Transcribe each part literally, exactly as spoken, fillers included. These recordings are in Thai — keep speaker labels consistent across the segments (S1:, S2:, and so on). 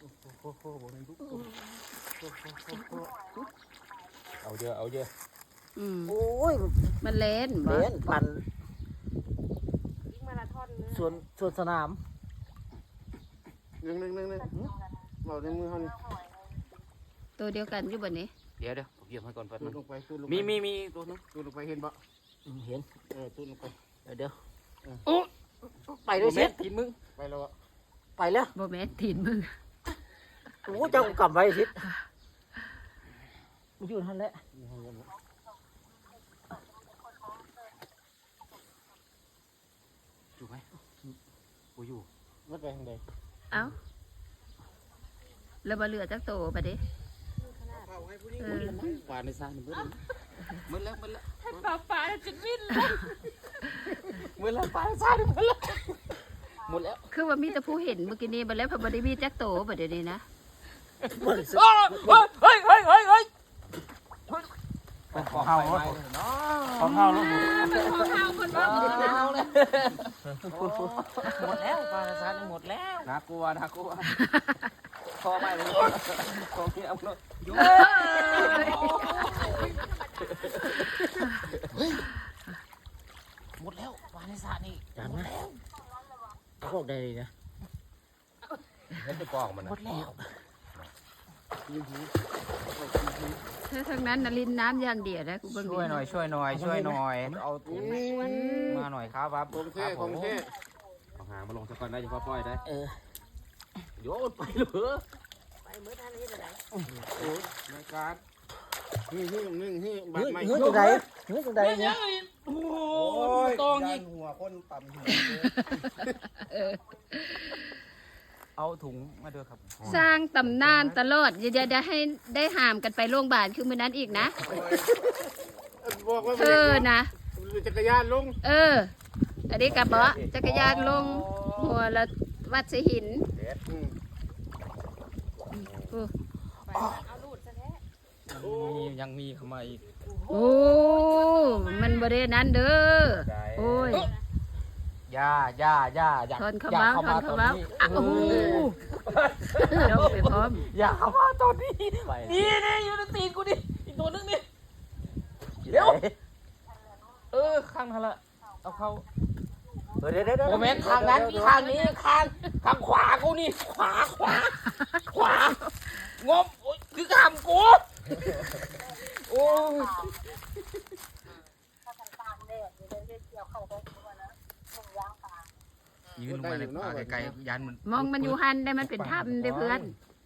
S1: โอ้โหเอาเยอะเอาเยอะ
S2: อืม
S3: โอ้ย
S2: มันเล่นบ่
S3: เล่นปั่น
S4: วิ่งมาราธอนเลย
S3: ส่วนส่วนสนาม
S5: หนึ่งหนึ่งหนึ่งหนึ่งบอกในมือเขานี่
S2: ตัวเดียวกันอยู่บ่นี้
S1: เดี๋ยวเดี๋ยวผมเยี่ยมให้ก่อนแป๊บ
S5: ตู
S1: นึ
S5: ด
S1: ง
S5: ลงไปตูดลงไป
S1: มีมีมีตัวนึง
S5: ตูดลงไปเห็นปะ
S3: อืมเห็น
S5: เออตูดลงไป
S3: เดี๋ยวเดี๋ยว
S1: โอ้
S3: ไปด้วยเซ็ต
S1: กินมึง
S5: ไปแล้วอะ
S3: ไปแล้ว
S2: บ่แม่นตีนมึง
S3: โอ้เจ้ากลับไว้ทิศมันอยู่ท่านแหละ
S1: อยู่ไหมกูอยู่
S5: ไม่ไปทางใด
S2: เอ้าแล้วบ่เหลือจักโตบัดนี้
S5: เข้าให้ผู้หญิง
S2: เออ
S1: ปลาในซานี่มืดเลยมืดแล้วมืดแล้ว
S4: ปลาปลาจุดวิ่งเลย
S1: มืดแล้วปลาในซานี่มืดแล้วหมดแล้ว
S2: คือว่ามีแต่ผู้เห็นเมื่อกี้นี้บ่แล้วพอบ่ได้มีจักโตบัดเดี๋ยวนี้นะ
S1: เฮ้ยเฮ้ยเฮ้ยเฮ้ยเฮ้ยขอข้าวรถขอข้าวรถหมด
S4: ของเฮาคนว่า
S1: หมดแล้วปลาในซานี่หมดแล้วน่ากลัวน่ากลัวพอไม่เลยของที่เอาเลยยุ่งหมดแล้วปลาในซานี่
S3: จานนะพวกใดดีนะ
S1: แล้วจะกองมัน
S3: หมดแล้ว
S2: ถ้าทางนั้นน่ะลิ้นน้ำอย่างเดียวนะกูเบิ่ง
S1: ช่วยหน่อยช่วยหน่อยช่วยหน่อยเอาถุงมาหน่อยครับครับ
S5: ของแท้ของแท้
S1: เอาหางมาลงสักก่อนได้เฉพาะปล่อยได้
S3: เออ
S1: โยนไปเลย
S4: ไปเมื่อท่านนี้อะไร
S5: โอ้ยรายการนี่นี่หนึ่งนี่บัต
S3: เฮ้
S5: ร
S3: ย
S5: ใหม่
S3: เฮ้ยจังใดเฮ้ยจังใดเนี่ย
S1: โอ้
S5: โอ้ย
S1: ตองยิง
S5: หัวคนต่ำหัว
S1: เอาถุงมาด้วยครับ
S2: สร้างตำนานตลอดอย่าอย่าให้ได้หามกันไปโรงพยาบาลคือมื้อนั้นอีกนะ
S5: บอกว่า
S2: เธอนะ
S5: จักรยานลง
S2: เออ อันนี้กับเบาะจักรยานลงหัวละวัดสหิน
S5: อืม
S2: โอ้
S4: เอาลูดซะแท้
S1: มียังมีเข้ามาอีก
S2: โอ้ มันบริเวณนั้นเด้อ โอ้ย
S1: ย่าย่าย่าอย่า
S2: ทนเขา
S1: อย่า
S2: เมาท
S1: เข้าน มา
S2: เขา
S1: ตอน
S2: เมา
S1: นี้
S2: อ่ะโอ้โหเดี๋ยวไปพร้อม
S1: อย่าเข้ามาตอนนี้นี่นี่อยู่ในตีนกูดิอีกตัวนึงนี่เดี๋ยวเออข้างนั้นละเอาเข้า
S3: เออเดี๋ยวเดี๋ยวเดี๋ยว
S1: โมเมนต์ทางนั้นทางนี้ข้างทางขวากูนี่ขวาขวาขวางบโอ้ยคือขามกูโอ้ยยืนลงมาในป่าไกลๆยันมัน
S2: มองมันอยู่หันได้มันเป็นถ้ำได้เพื่อน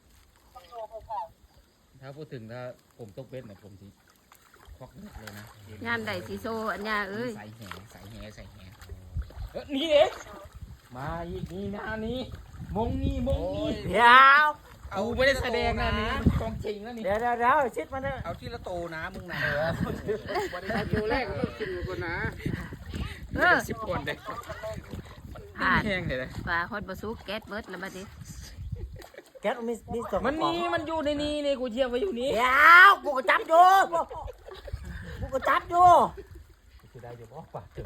S1: ถ้าพูดถึงถ้าผมตกเบ็ดเนี่ยผมสิควักเลือดเลยนะ
S2: ยามใดสีโซอันยาเอ้ย
S1: ใส่แหใส่แหใส่แหเออนี่เองมาอีกนี่นะนี่มงนี่มงนี่
S3: เดี๋ยว
S1: เอาไม่ได้แสดงนะนี่กองจริงนะนี่
S3: เดี๋ยวเดี๋ยวเดี๋ยวชิดมันนะ
S1: เอาที่ละโตนะมึงนะ
S5: ถ้าคิวแรกก็ต้องกินก่อนนะ
S2: เออ
S1: สิบคนเด็ก
S2: ผ่าน
S1: แห้งเลยนะ
S2: ปลาฮอดบะซุกแก๊สเบิดแล้วบัดนี้
S3: แก๊สมันมีมีสอง
S1: มันนี่มันอยู่ในนี้นี่กูเทียบไว้อยู่นี่
S3: เดี๋ยวกูก็จับอยู่กูก็จับอยู่
S1: คือได้อยู่เพราะปาก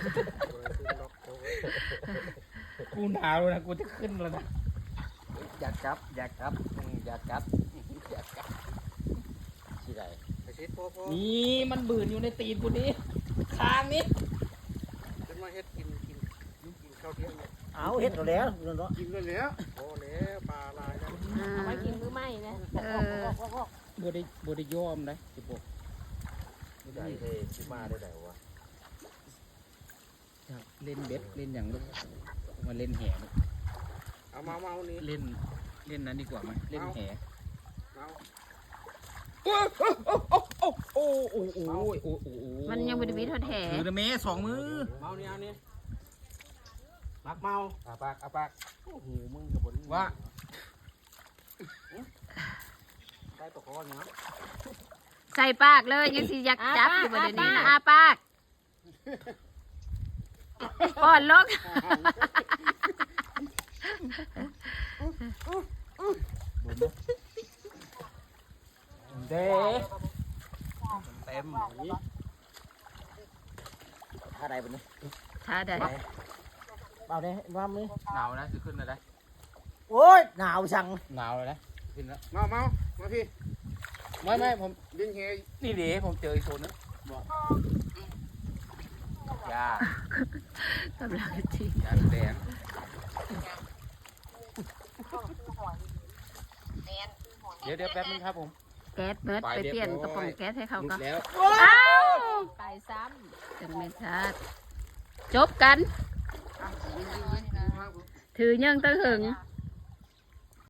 S1: กูหนาวนะกูจะขึ้นแล้วนะอยากกลับอยากกลับอยากกลับอยากกลับที่ไหน
S5: ไอ้ชิดพอพอ
S1: นี่มันบืนอยู่ในตีนกูนี่คางนี่
S5: จะมาเฮ็ดกินกินกินข้าวเที่ยงเนี่ย
S3: เอาเห็ดเอาแล้วเนาะ
S5: กินเลยแล้วพอแล้วปลาลายแล้ว
S2: อ่า
S4: เอาไว้กินมื้อใหม่นะ
S2: เออ
S1: บได้บได้ยอมนะสิบหก
S3: ไม่ได้เลยชิมาได้ไหนวะ
S1: เล่นเบ็ดเล่นอย่างลูกมาเล่นแห่ลูก
S5: เอามาเอานี่
S1: เล่นเล่นนั้นดีกว่าไหมเล่นแห่
S5: เอา
S1: โอ้โอ้โอ้โอ้โอ้โอ้โอ้โอ้
S2: มันยังบริวิทอดแห่
S1: ถือนะเมสองมือ
S5: เมาเนี่ยเอานี่ปักเมา
S1: อาปากอาปาก
S5: โอ้โหมึงกับบน
S1: ว่า
S5: ได้ปกครองเนาะ
S2: ใส่ปากเลยยังสิอยากจับอยู่บริเวณนี้นะอาปากป้อนลก
S1: เด้เต็ม
S3: ท่าใดเป็นนี่
S2: ท่าใด
S3: เอาได้ว่ามือ
S1: หนาวนะจะขึ้นอะไร
S3: โอ้ยหนาวสั่ง
S1: หนาวเลยนะขึ้นแล้ว
S5: เมาเมามาพี่
S1: ไม่ไม่ผม
S5: ดินเฮย
S1: นี่เดี๋ยวผมเจออีกโซนนึงบอกยาก
S2: ำลังจริง
S1: ยาแดง เดี๋ยวเดี๋ยวแป๊บนึงครับผม
S2: แก๊สเบิร์ดไปเปลี่ยนกระป๋องแก๊สให้เขา
S1: หลุ
S2: ก็
S1: ดแล้ว
S2: อ้าว
S4: ไปซ้
S2: จังเม็ดชาติจบกัน ถือยังตั้งหึง
S4: ำ